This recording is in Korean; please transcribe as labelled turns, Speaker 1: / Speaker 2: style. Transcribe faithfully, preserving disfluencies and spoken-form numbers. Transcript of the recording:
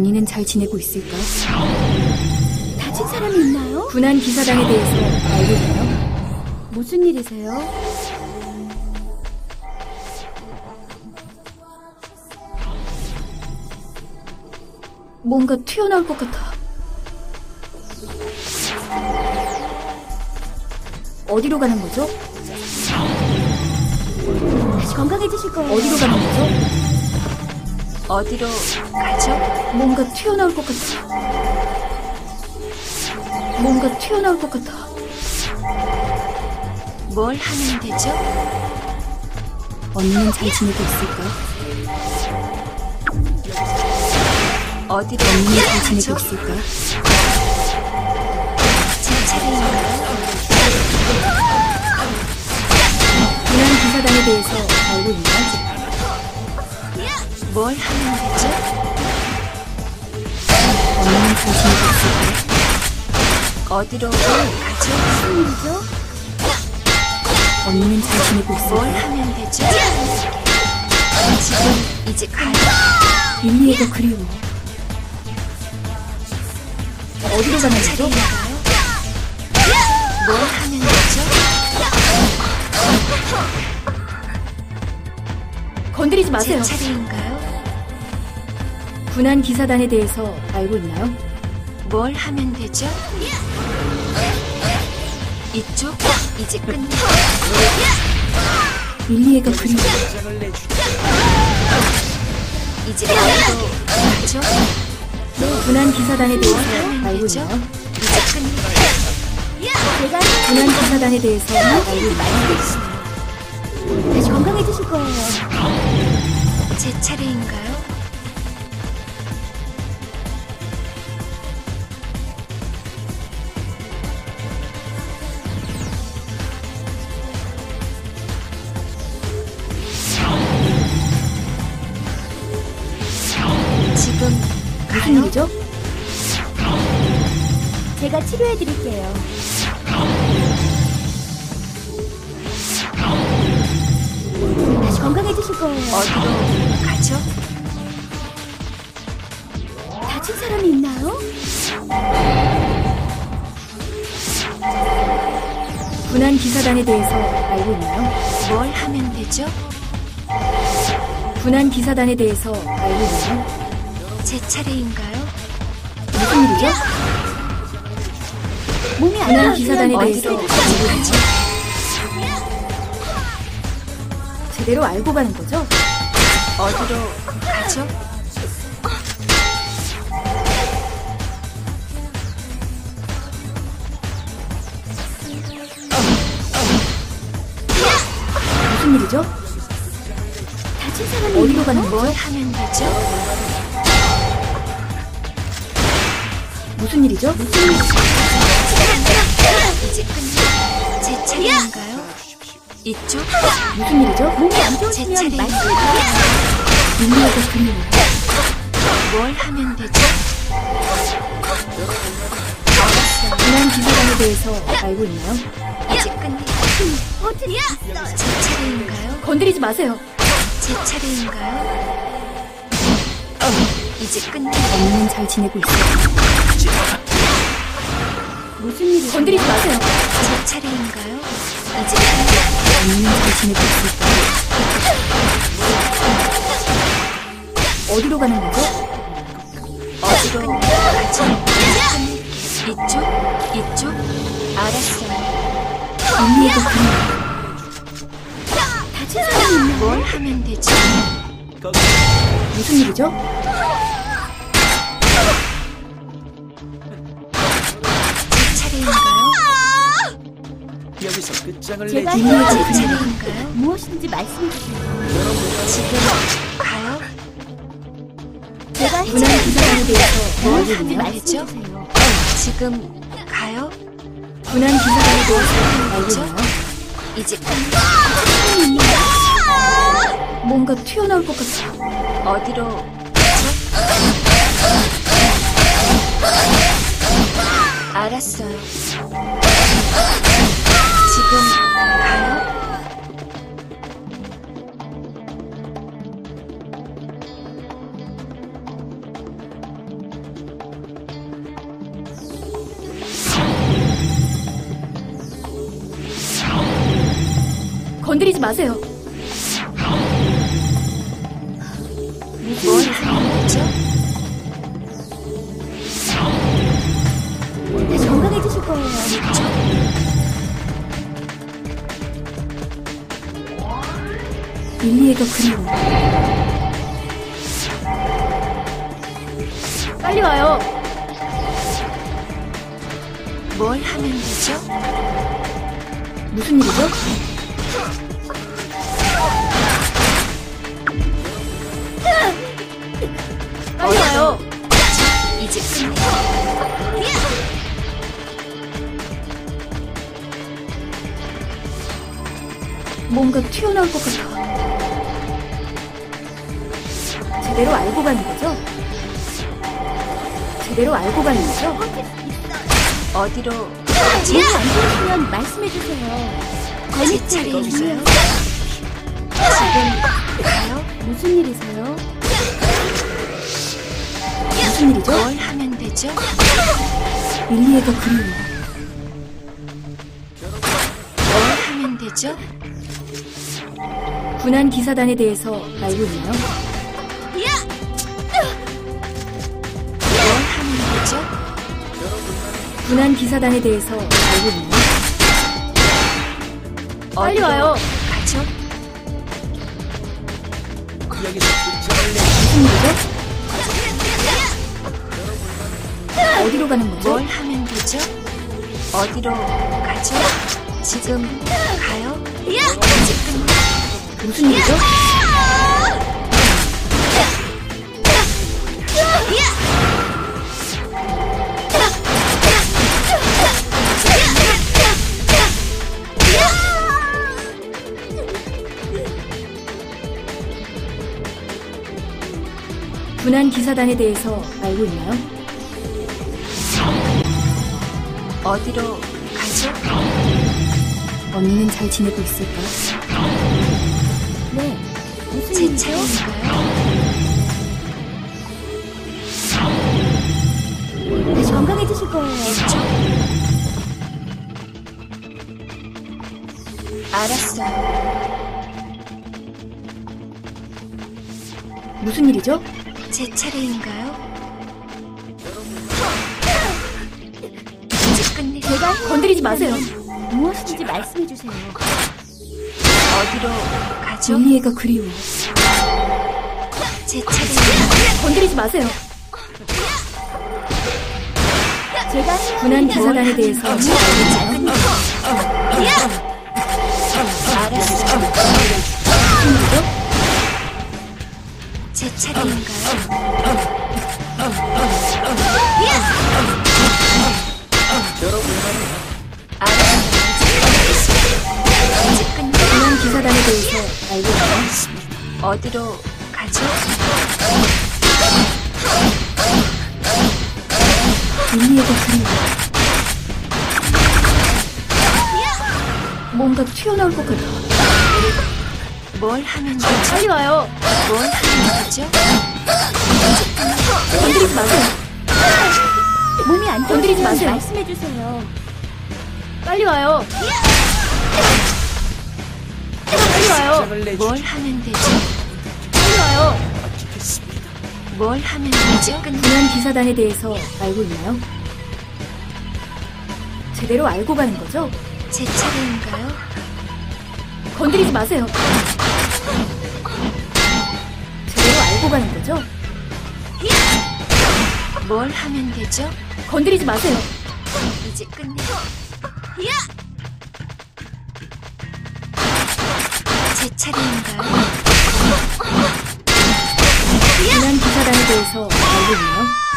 Speaker 1: 언니는 잘 지내고 있을까?
Speaker 2: 다친 사람이 있나요?
Speaker 1: 군한 기사단에 대해서 알고 있나요?
Speaker 2: 무슨 일이세요?
Speaker 1: 뭔가 튀어나올 것 같아. 어디로 가는 거죠?
Speaker 2: 다시 건강해지실 거예요.
Speaker 1: 어디로 가는 거죠?
Speaker 3: 어디로 가죠?
Speaker 1: 뭔가 튀어나올 것 같아. 뭔가 튀어나올 것 같아.
Speaker 3: 뭘 하면 되죠?
Speaker 1: 언니는 잘 지내고 있을까?
Speaker 3: 어디로
Speaker 1: 언니는 잘
Speaker 3: 가죠?
Speaker 1: 지내고 있을까?
Speaker 3: 제 차례인가요?
Speaker 1: 군한 기사단에 대해서 알고 있나요?
Speaker 3: 뭘 하면 되죠?
Speaker 1: 언니는 잘 지내고 있을까?
Speaker 3: 어디로 가죠?
Speaker 2: 무슨 일이죠?
Speaker 1: 언니는 잘 지내고
Speaker 3: 뭘
Speaker 1: 있을까?
Speaker 3: 하면 되죠? 지금 이제 가요?
Speaker 1: 릴리애가 그리워. 어디로 가는 거죠?
Speaker 3: 차례인가요? 뭘 하면 되죠?
Speaker 1: 건드리지
Speaker 3: 제
Speaker 1: 마세요.
Speaker 3: 차례인가요?
Speaker 1: 군한 기사단에 대해서 알고 있나요?
Speaker 3: 뭘 하면 되죠? 이쪽 이제 끝내.
Speaker 1: 릴리애가 그리워.
Speaker 3: 이제 어디로 가죠?
Speaker 1: 군한 기사단에 대해서
Speaker 3: 하면
Speaker 1: 알고
Speaker 3: 되죠?
Speaker 1: 있나요?
Speaker 3: 이제 끝내.
Speaker 2: 제가
Speaker 1: 군한 기사단에 대해서 알고 있나요?
Speaker 2: 다시 건강해지실 거예요.
Speaker 3: 제 차례인가요? 지금
Speaker 1: 무슨
Speaker 3: 가요?
Speaker 1: 일이죠?
Speaker 2: 제가 치료해드릴게요. 다시 건강해지실 거예요.
Speaker 3: 어디로 가죠?
Speaker 2: 다친 사람이 있나요?
Speaker 1: 군한 기사단에 대해서 알고 있나요?
Speaker 3: 뭘 하면 되죠?
Speaker 1: 군한 기사단에 대해서 알고 있나요?
Speaker 3: 제 차례인가요?
Speaker 1: 무슨 일이죠?
Speaker 2: 몸이 안
Speaker 1: 군한
Speaker 2: 좋아지면
Speaker 1: 기사단에 대해서
Speaker 3: 어디로
Speaker 1: 알고 있나요?
Speaker 3: 가죠?
Speaker 1: 제대로 알고 가는 거죠?
Speaker 3: 어디로 가죠?
Speaker 1: 무슨 일이죠?
Speaker 2: 다친 사람이
Speaker 1: 어디로
Speaker 2: 있나요?
Speaker 1: 가는
Speaker 3: 뭘
Speaker 1: 거죠?
Speaker 3: 하면 되죠?
Speaker 1: 무슨 일이죠?
Speaker 3: 이제 끝내. 제 차례인가요? 이쪽
Speaker 1: 무슨 일이죠?
Speaker 2: 몸이 안
Speaker 3: 제
Speaker 2: 좋으시면
Speaker 3: 차례인가요?
Speaker 2: 말씀해주세요.
Speaker 1: 릴리애가 그리워.
Speaker 3: 뭘 하면 되죠?
Speaker 1: 군한 기사단에 대해서 알고 있나요?
Speaker 3: 이제 끝내.
Speaker 2: 어디 있어요?
Speaker 3: 제 차례인가요?
Speaker 1: 건드리지 마세요.
Speaker 3: 제 차례인가요? 이제 끝내.
Speaker 1: 언니는 잘 지내고 있어요.
Speaker 2: 무슨 일이죠?
Speaker 1: 건드리지 마세요.
Speaker 3: 제 차례인가요? 이제 끝내.
Speaker 1: 언니는 잘 지내고 있을까? 어디로 가는 거죠?
Speaker 3: 어디로 가죠? 이쪽? 이쪽? 알았어요.
Speaker 1: 릴리애가 그리워.
Speaker 2: 다친 사람이 있나요?
Speaker 3: 뭘 하면 되죠?
Speaker 1: 무슨 일이죠?
Speaker 3: 제 차례인가요?
Speaker 4: 여기서 끝장을
Speaker 2: 제가
Speaker 4: 내지.
Speaker 3: 제
Speaker 2: 해드릴게요.
Speaker 3: 차례인가요?
Speaker 2: 무엇이든지 말씀해주세요.
Speaker 3: 지금 가요?
Speaker 2: 제가
Speaker 1: 군한 기사단에 대해서
Speaker 3: 뭘
Speaker 1: 알고
Speaker 3: 하면
Speaker 1: 있나요?
Speaker 3: 되죠?
Speaker 2: 말씀해주세요.
Speaker 3: 지금 가요?
Speaker 1: 군한 기사단에 대해서 알고 있나요?
Speaker 3: 이제 끝내.
Speaker 1: 뭔가 튀어나올 것 같아.
Speaker 3: 어디로 가죠? 알았어요. 지금 가요?
Speaker 1: 건드리지 마세요.
Speaker 3: 뭘 하는 거죠?
Speaker 2: 다시 건강해지실 거예요.
Speaker 1: 릴리에가 그리워. 빨리 와요.
Speaker 3: 뭘 하면 되죠?
Speaker 1: 무슨 일이죠? 빨리 와요.
Speaker 3: 이제 끝내.
Speaker 1: 뭔가 튀어나올 것 같아. 제대로 알고 가는 거죠? 제대로 알고 가는 거죠?
Speaker 3: 어디로
Speaker 2: 몸이 안 좋으시면 말씀해주세요.
Speaker 3: 제 차례인가요? 지금 가요?
Speaker 2: 무슨 일이세요?
Speaker 1: 무슨 일이죠?
Speaker 3: 뭘 하면 되죠?
Speaker 1: 릴리에가 그리워.
Speaker 3: 뭘 하면 되죠?
Speaker 1: 군한 기사단에 대해서 알고 있나요?
Speaker 3: 뭘 하면 되죠?
Speaker 1: 군한 기사단에 대해서 알고 있나요? 빨리
Speaker 3: 어디로
Speaker 1: 와요.
Speaker 3: 가죠?
Speaker 1: 무슨 일이죠? 어디로 가는 거죠?
Speaker 3: 뭘 하면 되죠? 어디로 가죠? 지금 가요? 이제 끝내.
Speaker 1: 무슨 일이죠? 군한 기사단에 대해서 알고 있나요?
Speaker 3: 어디로 가죠?
Speaker 1: 언니는 잘 지내고 있을까?
Speaker 2: 네. 무슨
Speaker 3: 제
Speaker 2: 일이세요?
Speaker 3: 차례인가요?
Speaker 2: 다시 건강해지실 거예요.
Speaker 3: 알았어요.
Speaker 1: 무슨 일이죠?
Speaker 3: 제 차례인가요? 이제 끝내.
Speaker 2: 제가
Speaker 1: 건드리지 마세요.
Speaker 2: 무엇인지 말씀해주세요.
Speaker 3: 어디로 가죠?
Speaker 1: 릴리에가 그리워.
Speaker 3: 제 차례인가요?
Speaker 1: 건드리지 마세요.
Speaker 2: 제가
Speaker 1: 군한 기사단에 대해서 알고 있나요?
Speaker 3: 알았어요.
Speaker 1: 무슨 일이죠?
Speaker 3: 제 차례인가요? 알았어요. 이제 끝내.
Speaker 1: 군한 기사단에 대해서 알고 있나요?
Speaker 3: 어디로 가죠?
Speaker 1: 릴리에가 그리워. 뭔가 튀어나올 것 같아.
Speaker 3: 뭘 하면 되죠?
Speaker 1: 빨리 와요.
Speaker 3: 뭘 하면 되죠?
Speaker 1: 건드리지 마세요.
Speaker 2: 몸이 안
Speaker 1: 건드리지
Speaker 2: 좋으시면
Speaker 1: 마세요.
Speaker 2: 말씀해주세요.
Speaker 1: 빨리 와요. 빨리 와요.
Speaker 3: 뭘 하면 되죠?
Speaker 1: 빨리 와요.
Speaker 3: 뭘 하면 되죠?
Speaker 1: 군한 기사단에 대해서 알고 있나요? 제대로 알고 가는 거죠?
Speaker 3: 제 차례인가요?
Speaker 1: 건드리지 마세요. 제대로 알고 가는 거죠?
Speaker 3: 뭘 하면 되죠?
Speaker 1: 건드리지 마세요.
Speaker 3: 이제 끝내. 제 차례인가요?
Speaker 1: 군한 기사단에 대해서 알고 있나요?